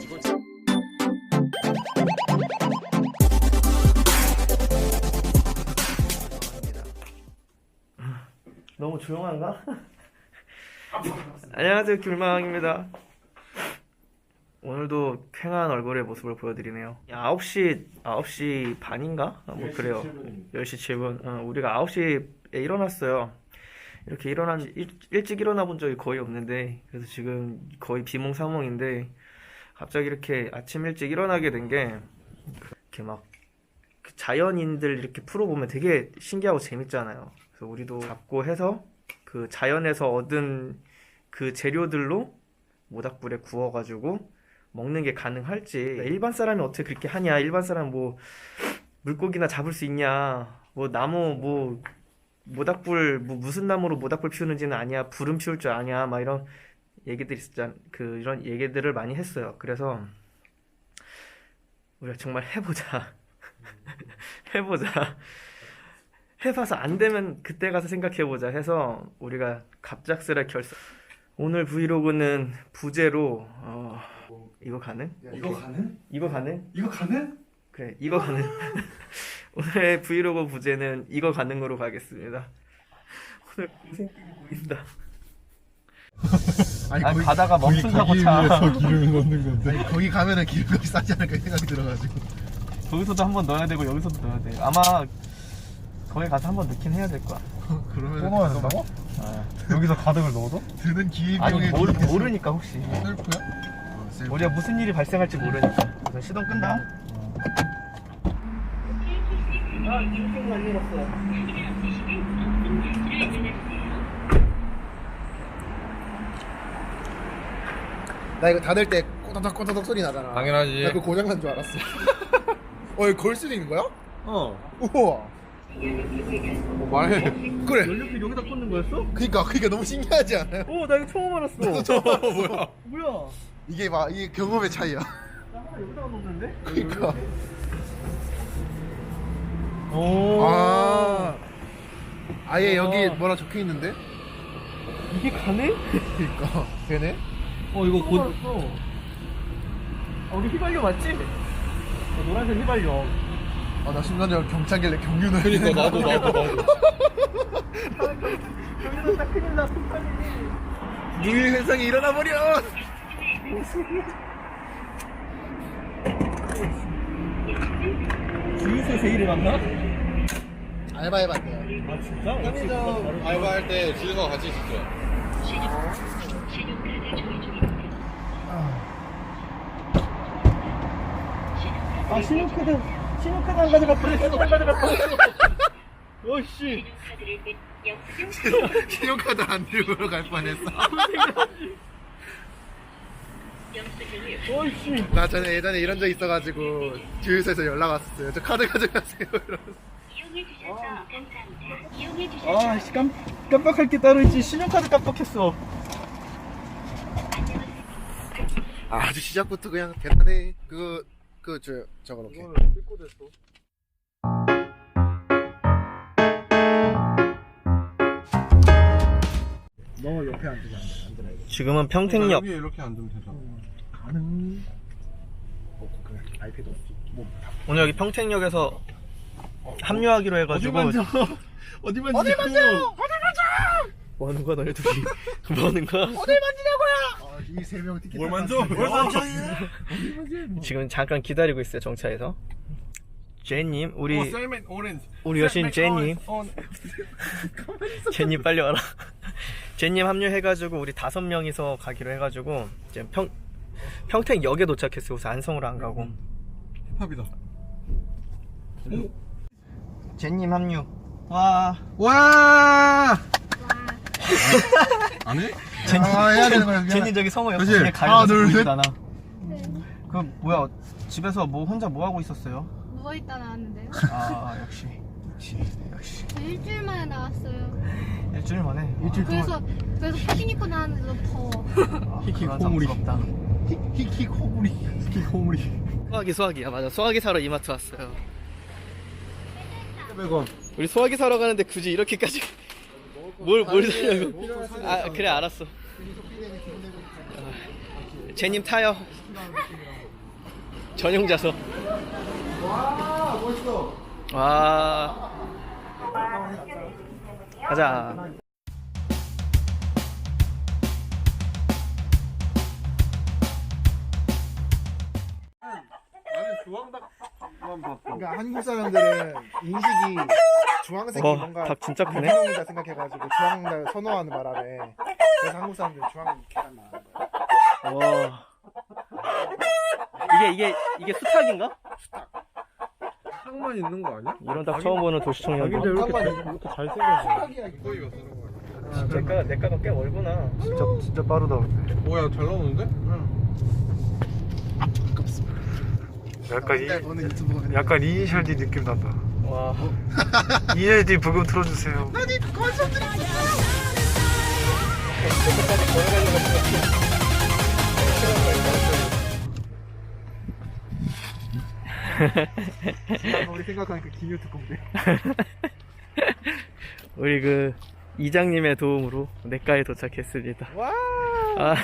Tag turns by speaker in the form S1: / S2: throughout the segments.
S1: 너무 조용한가? 안녕하세요, 귤망입니다. 오늘도 쾌한 얼굴의 모습을 보여드리네요. 9시 반인가? 뭐 그래요. 10시 7분. 우리가 9시에 일어났어요. 이렇게 일찍 일어나 본 적이 거의 없는데, 그래서 지금 거의 비몽사몽인데, 갑자기 이렇게 아침 일찍 일어나게 된 게, 이렇게 막, 자연인들 이렇게 풀어보면 되게 신기하고 재밌잖아요. 그래서 우리도 잡고 해서, 그 자연에서 얻은 그 재료들로 모닥불에 구워가지고 먹는 게 가능할지. 일반 사람이 어떻게 그렇게 하냐, 일반 사람 뭐 물고기나 잡을 수 있냐, 뭐 나무 뭐 모닥불 뭐 무슨 나무로 모닥불 피우는지는 아냐, 불은 피울 줄 아냐, 막 이런 얘기들이 있었잖아. 이런 얘기들을 많이 했어요. 그래서 우리가 정말 해보자. 해보자. 해봐서 안 되면 그때 가서 생각해보자 해서 우리가 갑작스레 결성. 오늘 브이로그는 부제로 이거 가능?
S2: 이거 가능?
S1: 이거 가능?
S2: 이거 가능?
S1: 그래, 이거 가능. 오늘의 브이로그 부제는 이거 가능으로 가겠습니다. 오늘 고생 보인다.
S2: 아니
S1: 가다가 멈춘다고 차.
S2: 위해서 기름을 넣는 건데. 아니 거기 가면은 기름값이 싸지 않을까 생각이 들어가지고.
S1: 거기서도 한번 넣어야 되고 여기서도 넣어야 돼. 아마 거기 가서 한번 넣긴 해야 될 거야.
S2: 그러면
S3: 또 넣어야 된다고? 여기서 가득을 넣어도?
S2: 드는
S1: 아니
S2: 기회비용에
S1: 모르니까 혹시
S2: 셀프야?
S1: 우리가 무슨 일이 발생할지 모르니까. 그래서 시동 끈다. 인생 많이 갔어.
S2: 나 이거 닫을 때 꼬다닥 소리 나잖아.
S3: 당연하지.
S2: 나 그거 고장난 줄 알았어. 이거 걸 수도 있는 거야? 우와.
S3: 말해.
S2: 그래.
S1: 연료필 여기다 꽂는 거였어?
S2: 그니까 너무 신기하지 않아요?
S1: 나 이거 처음 알았어. 뭐야?
S2: 이게 경험의 차이야.
S1: 나 하나 여기다가 놓는데?
S2: 그니까.
S1: 오.
S2: 아예 여기 뭐라 적혀 있는데?
S1: 이게 가네?
S2: 그니까 되네.
S1: 이거 곧. 우리 휘발유 맞지? 노란색 휘발유.
S2: 나 순간적으로 경차길래 경유는.
S3: 그러니까 나도.
S1: 여기서 딱 큰일 나.
S2: 유일 현상이 일어나 버려.
S1: 주유소에서 일을 갔나?
S2: 알바해봤대요.
S1: 아 진짜?
S2: 편의점
S3: 알바할 때 주유소 같이 있었죠.
S1: 신용카드 안 가져갔다. 신용카드 안 가져갔다. 어씨.
S2: 신용카드 안 들고 갈 뻔했어.
S1: 어씨.
S2: 나 전에 예전에 이런 적 있어가지고 주유소에서 연락 왔었어요. 저 카드 가져가세요. 이러면서.
S1: 씨 깜빡할 게 따로 있지. 신용카드 깜빡했어.
S2: 아주 시작부터 그냥 대단해. 저거 이렇게.
S1: 뜯고 됐어.
S2: 너 옆에 앉으면 안 되나 이거?
S1: 지금은 평택역.
S3: 여기 이렇게 앉으면 되잖아.
S2: 가능. 그래. 아이패드 없지. 뭐.
S1: 오늘 여기 평택역에서 합류하기로 해가지고.
S2: 어디 만져?
S1: 뭐 하는 거야 너희 둘이? 뭐 하는 거야?
S2: 어딜 만지냐고요? 이 세 명 티켓.
S3: 뭘 만져? 뭘 만져?
S1: 지금 잠깐 기다리고 있어요 정차에서. 제님 우리
S3: 셀맨 오렌지.
S1: 우리 여신 제님. 제님 빨리 와라. 제님 합류해가지고 우리 5명이서 가기로 해가지고 지금 평택역에 도착했어요. 그래서 안성으로 안 가고.
S3: 힙합이다.
S1: 제님 합류. 와.
S3: 안 해?
S2: 해야 되는 거야.
S1: 제님 저기 성호
S3: 그치?
S1: 옆에
S2: 하나,
S1: 가려서
S2: 둘, 셋.
S1: 보이잖아. 그 뭐야 집에서 뭐 혼자 뭐 하고 있었어요?
S4: 누워있다 나왔는데요.
S1: 역시.
S4: 저 일주일 만에 나왔어요.
S1: 일주일 만에.
S2: 일주일 동안.
S4: 그래서 패딩 입고 나왔는데도 더워.
S1: 히키
S3: 코물이.
S2: 히히 코구리.
S1: 소화기야 맞아. 소화기 사러 이마트 왔어요.
S3: 100원.
S1: 우리 소화기 사러 가는데 굳이 이렇게까지 뭘 사냐고. 그래 알았어. 제님 타요. 전용 좌석.
S2: 와 멋있어.
S1: 와. 가자.
S2: 그러니까 한국 사람들은 인식이 주황색이
S1: 와,
S2: 뭔가
S1: 닭 진짜 크네.
S2: 유기농이다 생각해가지고 주황을 선호하는 바람에 그래서 한국 사람들은 주황 계란 먹는 거야.
S1: 와. 이게 수탉인가?
S3: 닭만 있는 거 아니야?
S1: 이런 닭 처음 보는 도시청년도.
S3: 이렇게 잘생겼어. 거의 왔어.
S1: 내가가 꽤 멀구나.
S2: 진짜 빠르다.
S3: 뭐야 잘 나오는데?
S2: 약간 이니셜 D 느낌 난다.
S1: 와.
S2: 이니셜 D 부금 틀어주세요. 우리 생각하니까 기뉴 특공대.
S1: 우리 그 이장님의 도움으로 내과에 도착했습니다.
S2: 와.
S1: 아,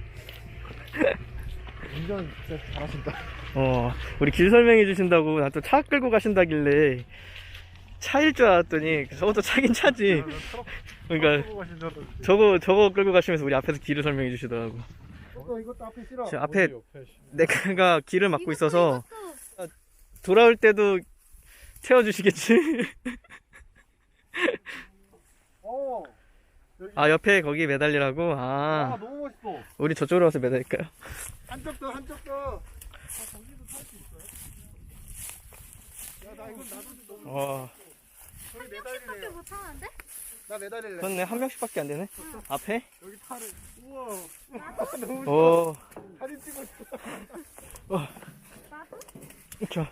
S2: 운전 진짜 잘하신다.
S1: 우리 길 설명해 주신다고 난 또 차 끌고 가신다길래 차일 줄 알았더니 저것도 차긴 차지. 그러니까 저거 끌고 가시면서 우리 앞에서 길을 설명해 주시더라고.
S2: 이것도 앞에 싫어.
S1: 지금 앞에 내과가 길을 막고 있어서 돌아올 때도 태워주시겠지?
S2: 어.
S1: 아, 옆에 거기 매달리라고?
S2: 아
S1: 아,
S2: 너무 멋있어.
S1: 우리 저쪽으로 와서 매달릴까요?
S2: 한쪽 더. 거기도 탈 수 있어요? 야, 나 이건 나도 너무.
S1: 와,
S2: 저기 매달리래요.
S4: 못 타는데?
S2: 나 매달릴래.
S1: 그렇네. 한 명씩밖에 안 되네. 앞에?
S2: 여기 팔을. 우와.
S1: 오,
S2: 사진 찍고 있어.
S1: 자,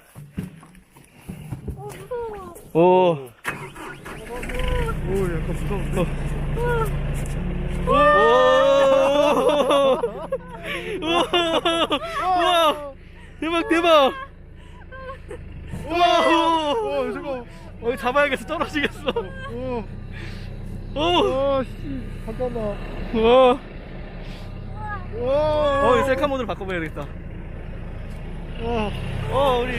S4: 무서워.
S1: 오,
S2: 오, 약간 무서워.
S1: 우와, 대박, 대박. 우와,
S2: 잠깐.
S1: 잡아야겠어. 떨어지겠어.
S2: 오.
S1: 오,
S2: 씨. 잠깐만.
S1: 우와.
S2: 와.
S1: 셀카 모드로 바꿔봐야 되겠다.
S2: 와.
S1: 우리.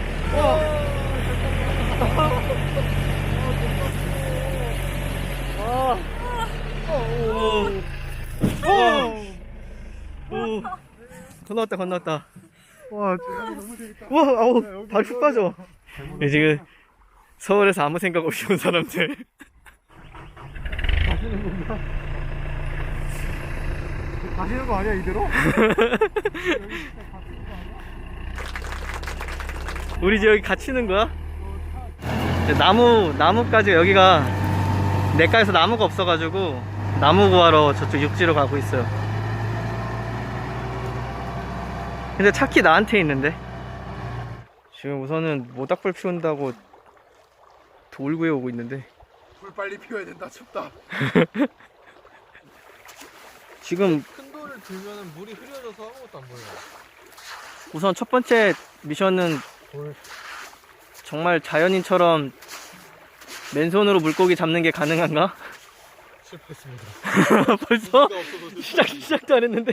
S1: 오. 건너왔다.
S2: 와, 진짜 너무 재밌다.
S1: 와, 아우, 발 푹 빠져. 지금 서울에서 아무 생각 없이 온 사람들.
S2: 가시는 거 아니야, 이대로?
S1: 우리 이제 여기 갇히는 거야? 이제 나무까지 여기가 내과에서 나무가 없어가지고 나무 구하러 저쪽 육지로 가고 있어요. 근데 차키 나한테 있는데 지금 우선은 모닥불 피운다고 돌 구해오고 있는데
S2: 불 빨리 피워야 된다, 춥다.
S1: 지금
S3: 큰 돌을 들면은 물이 흐려져서 아무것도 안 보여.
S1: 우선 첫 번째 미션은 정말 자연인처럼 맨손으로 물고기 잡는 게 가능한가?
S3: 실패했습니다.
S1: 벌써? 시작도 안 했는데?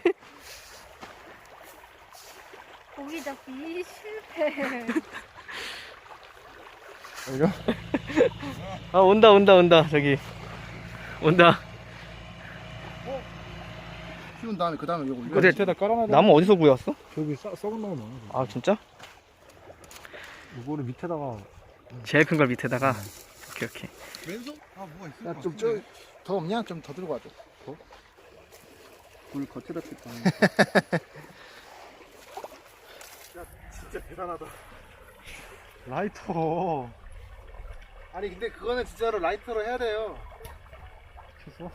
S4: 고기 잡기 실패.
S1: 아, 온다, 저기. 온다.
S2: 피운 다음에 그 다음에 요거
S1: 근데
S2: 밑에다 깔아놔.
S1: 나무 어디서 구해왔어?
S2: 저기 썩은 나무 많아.
S1: 아, 진짜?
S2: 이거를 밑에다가.
S1: 제일 큰 걸 밑에다가. 오케이.
S3: 왼손? 아 뭐가 있을
S2: 야,
S3: 것
S2: 좀
S3: 같은데.
S2: 더 없냐? 좀 더 들고 와줘. 더? 불 겉에다 폈다. 야, 진짜 대단하다. 라이터. 아니 근데 그거는 진짜로 라이터로 해야 돼요. 켰어?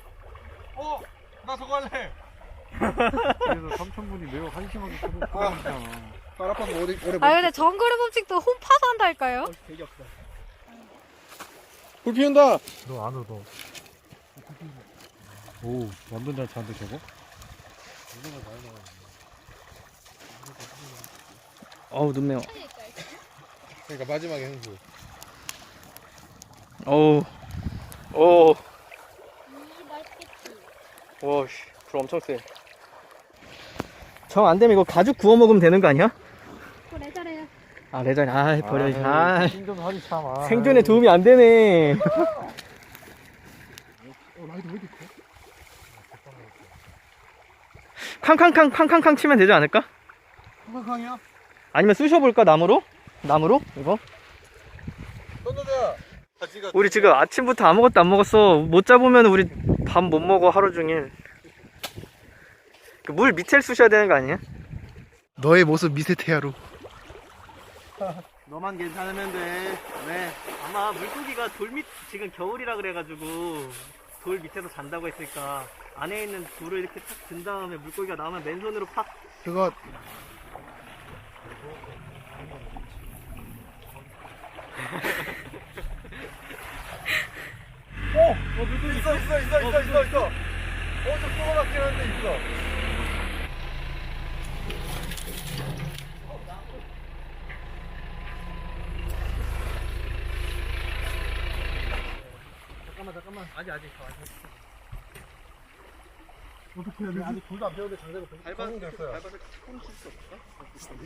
S3: 나 저거 할래.
S2: 그래서 삼촌분이 매우 한심하게 켜놓잖아. 발 아파서 오래
S4: 아 근데 정글의 법칙도 홈 파서 한달까요?
S1: 되게 없다.
S3: 불 피운다.
S2: 너 안 얻어. 오, 완전 잘 차는데 저거?
S1: 어우, 눈 매워.
S3: 그러니까 마지막에 행수.
S1: 어우. 오.
S4: 맛있겠지.
S1: 와, 씨. 불 엄청 세. 정 안 되면 이거 가죽 구워 먹으면 되는 거 아니야?
S4: 또 레저래요.
S1: 아 레전 아 버려 아
S2: 생존 하지 참. 아.
S1: 생존에 도움이 안 되네.
S2: 라이드 왜 이렇게 커?
S1: 캉캉캉 치면 되지 않을까?
S3: 한강이야?
S1: 아니면 쑤셔볼까 나무로? 나무로? 이거?
S3: 던져줘. 가지가.
S1: 우리 지금 아침부터 아무것도 안 먹었어. 못 잡으면 우리 밥 못 먹어 하루 종일. 그 물 밑에 쑤셔야 되는 거 아니야?
S2: 너의 모습 미세테야로.
S1: 너만 괜찮으면 돼. 네. 아마 물고기가 돌 밑 지금 겨울이라 그래가지고 돌 밑에서 잔다고 했으니까 안에 있는 돌을 이렇게 탁 든 다음에 물고기가 나오면 맨손으로 팍.
S2: 그거
S1: 물고기
S3: 있어. 저 조그맣긴 한데 있어.
S1: 잠깐만. 아직.
S2: 어떻게 해야 되지? 아직 불도 안 피웠는데 장작을
S3: 밟아서 됐어요.
S1: 밟아서 조금 칠수 없을까?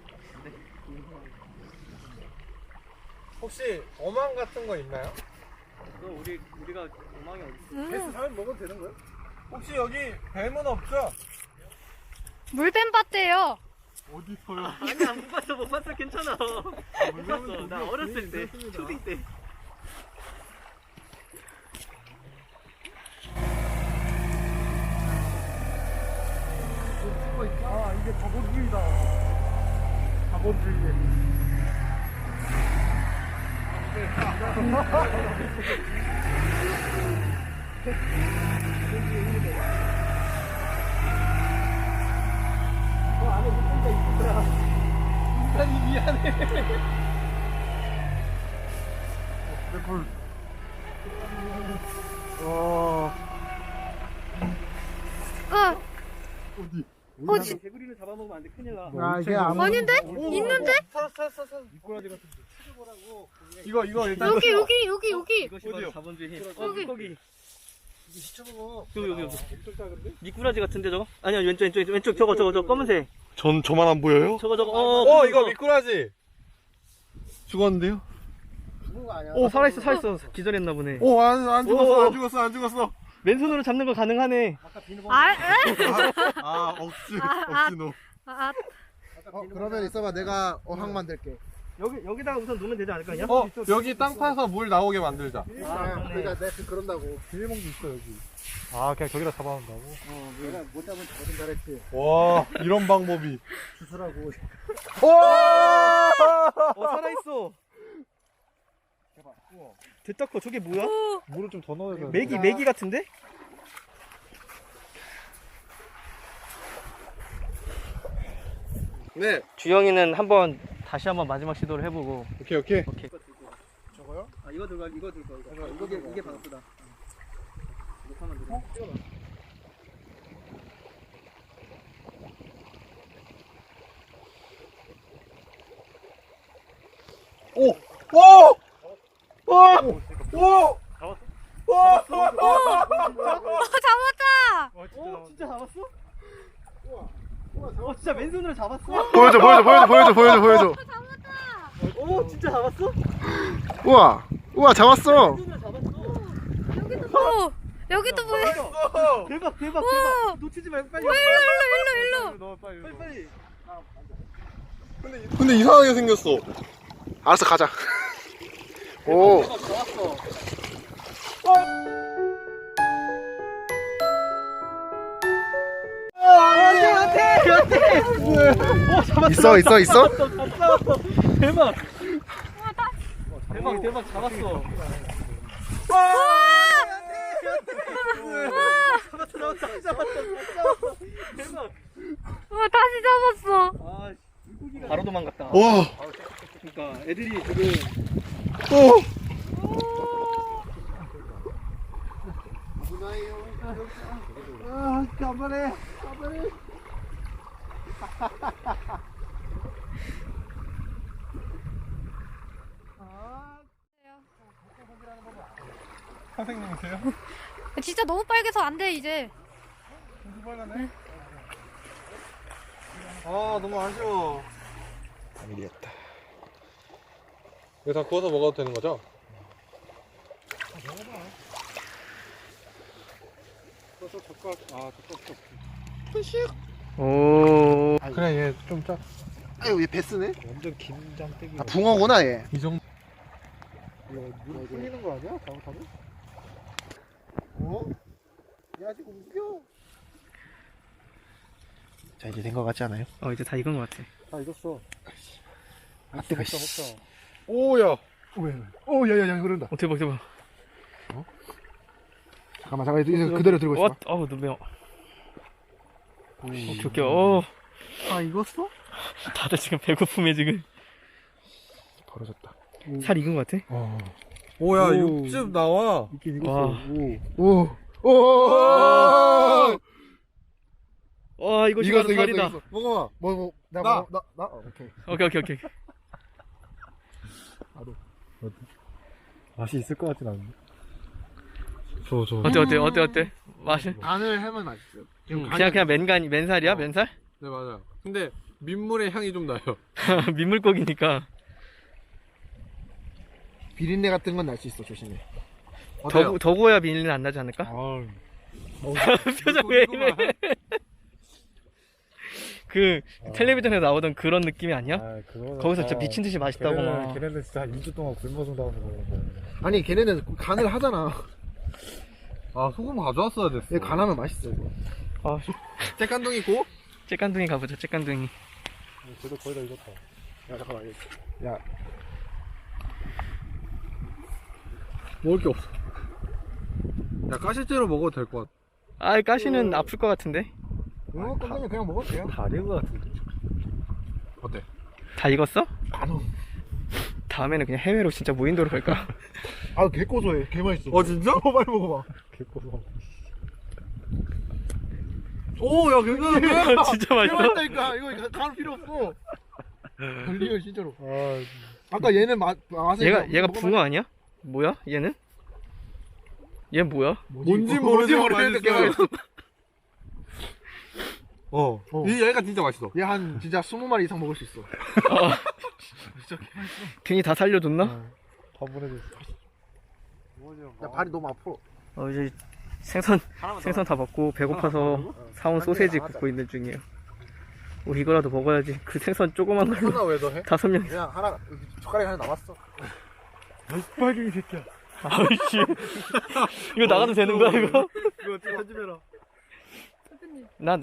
S3: 혹시 어망 같은 거 있나요?
S1: 우리가 도망이 어디 있어?
S3: 사람 먹어도 되는 거예요? 혹시 여기 뱀은 없죠?
S4: 물뱀 봤대요.
S3: 어디 있어요?
S1: 아니야 못 봤어 괜찮아. 못 봤어. 나 어렸을 때 초딩 때.
S2: 아 이게 자본주의다. 자본주의.
S1: 아니 미안해.
S2: 내 불. 어디?
S4: 어디?
S1: 개구리를 잡아먹으면 안 돼. 큰일 나.
S2: 아 이게 아무.
S4: 아닌데? 있는데?
S3: 찾았어.
S2: 미꾸라지 같은.
S3: 이거 일단
S4: 여기.
S1: 이것이 바로
S3: 어디요?
S1: 자본주의 힘.
S4: 여기.
S1: 물고기.
S2: 이게 시쳐먹어.
S1: 여기.
S2: 엄청 작은데?
S1: 미꾸라지 같은데 저거? 아니야 왼쪽 저거 검은색.
S3: 저만 안 보여요?
S1: 저거
S3: 이거 미꾸라지. 죽었는데요?
S2: 죽은 거 아니야?
S1: 오 살아있어 기절했나 보네.
S3: 안 죽었어.
S1: 맨손으로 잡는 거 가능하네.
S2: 아까 비누
S4: 아, 에?
S3: 억지노.
S4: 아,
S2: 그러면 있어봐. 내가 어항 만들게.
S1: 여기다가 우선 놓으면 되지 않을까?
S3: 여기 땅 파서 물 나오게 만들자.
S2: 그러니까 내가 그런다고. 비닐봉도 있어 여기.
S3: 아, 그냥 저기다 잡아온다고?
S2: 내가 못 잡은 거든 잘했지.
S3: 와, 이런 방법이.
S2: 주스라고.
S1: 살아있어.
S2: 대박. 우와.
S1: 됐다 커. 저게 뭐야?
S3: 물을 좀 더 넣어야 돼.
S1: 메기 같은데?
S3: 네.
S1: 주영이는 다시 한번 마지막 시도를 해보고.
S3: 오케이.
S2: 저거요?
S1: 아 이거 들고 이거. 이게 바쁘다. 녹화만 들어.
S4: 잡았다.
S1: 진짜 잡았어? 진짜 맨손으로 잡았어?
S2: 보여줘.
S1: 오 진짜 잡았어?
S2: 우와 잡았어.
S1: 맨손으로 잡았어.
S4: 여기도 보여.
S1: 대박.
S4: 우와.
S1: 놓치지 말고 빨리.
S4: 일로.
S1: 빨리.
S3: 근데 이상하게 생겼어.
S2: 알았어 가자. 오.
S1: 잡았어.
S2: 있어.
S1: 잡았어. 대박 잡았어. 잡았어. 대박.
S4: 다시 잡았어.
S1: 바로 도망갔다.
S3: 와.
S1: 그러니까 애들이 지금
S2: 간만에.
S3: 선생님이세요?
S4: 진짜 너무 빨개서 안 돼 이제.
S3: 빨갛네. 아 너무 아쉬워.
S2: 아니겠다.
S3: 이거 다 구워서 먹어도 되는 거죠?
S1: 오.
S3: 그래 얘 좀 짜.
S2: 아유 얘 베스네?
S3: 완전 김장떼기.
S2: 아 붕어구나 얘.
S3: 이 정도.
S2: 물 풀리는 거 아니야? 잘못하면? 어? 얘 아직 움직여. 자 이제 된 거 같지 않아요?
S1: 이제 다 익은 것 같아.
S3: 다 익었어.
S2: 아 뜨거.
S3: 먹자. 오야.
S2: 왜? 오 야야야 흐른다.
S1: 대박 대박.
S2: 잠깐만 이제 그대로 들고 있어.
S1: 너무 매워. 오케이.
S2: 아 익었어?
S1: 다들 지금 배고픔에 지금
S2: 벌어졌다.
S1: 살 익은 것 같아.
S3: 오야
S2: 오.
S3: 육즙 나와.
S2: 익긴
S1: 와.
S2: 오. 오.
S1: 와 이거 진짜 살이다.
S3: 먹어봐.
S2: 나. 오케이.
S1: 오케이.
S3: 맛이 있을 것 같진 않은데. 저.
S1: 어때? 맛이?
S2: 간을 해면 맛있어요.
S1: 그냥 맨살이야? 맨살?
S3: 네 맞아요. 근데 민물의 향이 좀 나요.
S1: 민물고기니까.
S2: 비린내 같은 건 날 수 있어. 조심해.
S1: 더 구워야 비린내 안 나지 않을까?
S3: 아,
S1: 표정 왜 이래? 그 텔레비전에 나오던 그런 느낌이 아니야? 거기서 진짜 미친 듯이 맛있다고 막.
S3: 걔네는 진짜 한 2주 동안 굶어준다고 그러는
S2: 아니 걔네는 간을 하잖아.
S3: 아 소금 가져왔어야 됐어.
S2: 얘 간하면 맛있어 이거.
S3: 째깐둥이 있고?
S1: 째깐둥이 가보자. 째깐둥이.
S3: 쟤도 거의 다 익었다.
S2: 야 잠깐만. 야
S3: 먹을 게 없어. 야 가시째로 먹어도 될 것 같아.
S1: 가시는 아플 것 같은데.
S2: 이거 끝나면 그냥 먹을게요.
S3: 다 익은 것 같은데. 어때?
S1: 다 익었어?
S2: 간호.
S1: 다음에는 그냥 해외로 진짜 무인도로 갈까?
S2: 아 개 고소해. 개 맛있어.
S3: 진짜?
S2: 빨리 먹어봐.
S3: 개꼬소. 오, 야, 괜찮은데?
S1: 진짜
S2: 개
S1: 맛있어?
S2: 맛있다니까. 이거 간 필요 없어. 걸리면 진짜로. 아까 얘는 맛을
S1: 얘가 붕어 아니야? 뭐야? 얘는? 얘 뭐야?
S3: 뭔지
S2: 모르는데
S3: 모르겠는데
S2: 개 맛있어.
S3: 얘가 진짜 맛있어.
S2: 얘 한 진짜 20마리 이상 먹을 수 있어.
S1: 괜히 다 살려줬나?
S3: 다 보내줬어.
S2: 야 발이 너무 아파.
S1: 이제 생선 다 먹고 배고파서 사온 소세지 굽고 있는 중이에요. 이거라도 먹어야지. 그 생선 조그만 걸로
S3: 하나 왜 더 해?
S1: 5명.
S2: 그냥 하나 젓가락이 하나 남았어.
S3: 빨갱이 새끼야.
S1: 아이씨. 이거 나가도 되는 거야 이거?
S3: 이거 어떻게 편집해라.
S1: 나.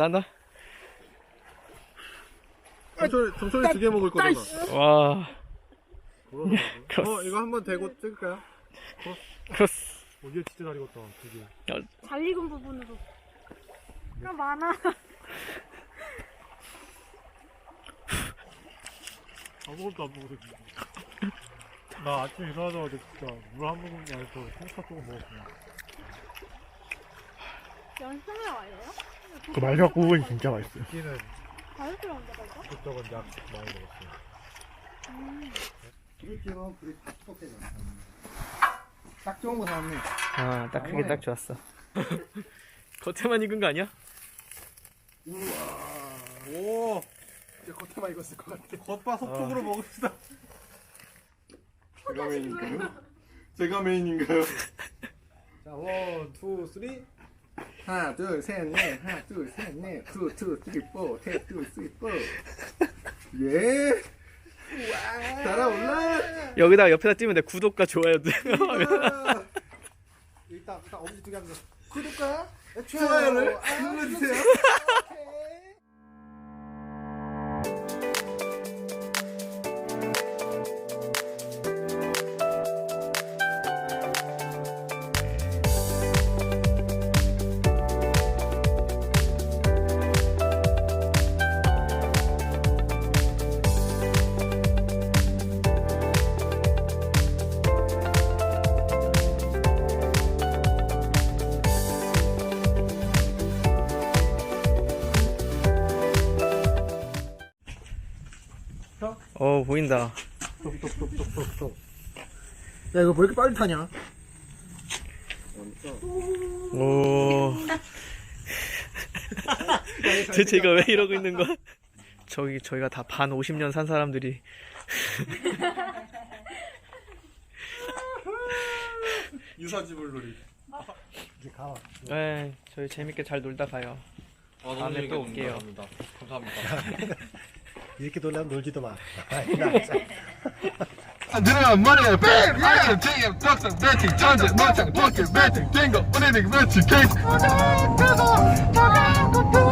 S3: 정철이 2개 먹을 거잖아.
S1: 와.
S3: 이거 한번 대고 찍을까요?
S1: 크로스.
S3: 얘 진짜 잘 익었다. 2개.
S4: 잘 익은 부분으로. 나 많아.
S3: 아무것도 안 먹어도 나 아침에 일어나자마자 진짜 물 한 모금 안에서 생파 조금 먹었구나.
S4: 연습을 와요?
S2: 그 마지막 부분이 진짜 맛있어요.
S3: 끼는
S4: 다이어트를 한다 이거?
S3: 이것저것 약 많이 먹었어요.
S2: 딱 좋은 거 사왔네.
S1: 딱 크게 딱 좋았어. 겉에만 익은 거 아니야?
S3: 오,
S2: 이제 겉에만 익었을 것 같아.
S3: 겉바 속촉으로 먹읍시다. 제가 메인인가요?
S2: 자, 1, 2, 3. 하나, 둘, 셋, 넷. 하나, 둘, 셋, 넷. 2, 2, 3, 4. 1, 2, 3, 4. 예. 달아올라.
S1: 여기다 옆에다 띄면 돼. 구독과 좋아요.
S2: 일단 엄지 두개 하면 구독과
S3: 좋아요를
S2: 눌러주세요.
S1: 보인다.
S2: 야 이거 왜 이렇게 빨리 타냐?
S1: 오. 대체 이거 왜 이러고 있는 거야? 저희가 다 반 50년 산 사람들이
S2: 유사지물놀이.
S3: 이제 가.
S1: 네, 저희 재밌게 잘 놀다 가요. 다음에 또 올게요.
S2: 감사합니다.
S3: 이렇게 놀려면 놀지도 마.
S5: 들으면 머리에 뱀! 예! 지금 덕선 배팅 전제 못장 도끼 배팅 뛴거 우리는 매치 케이스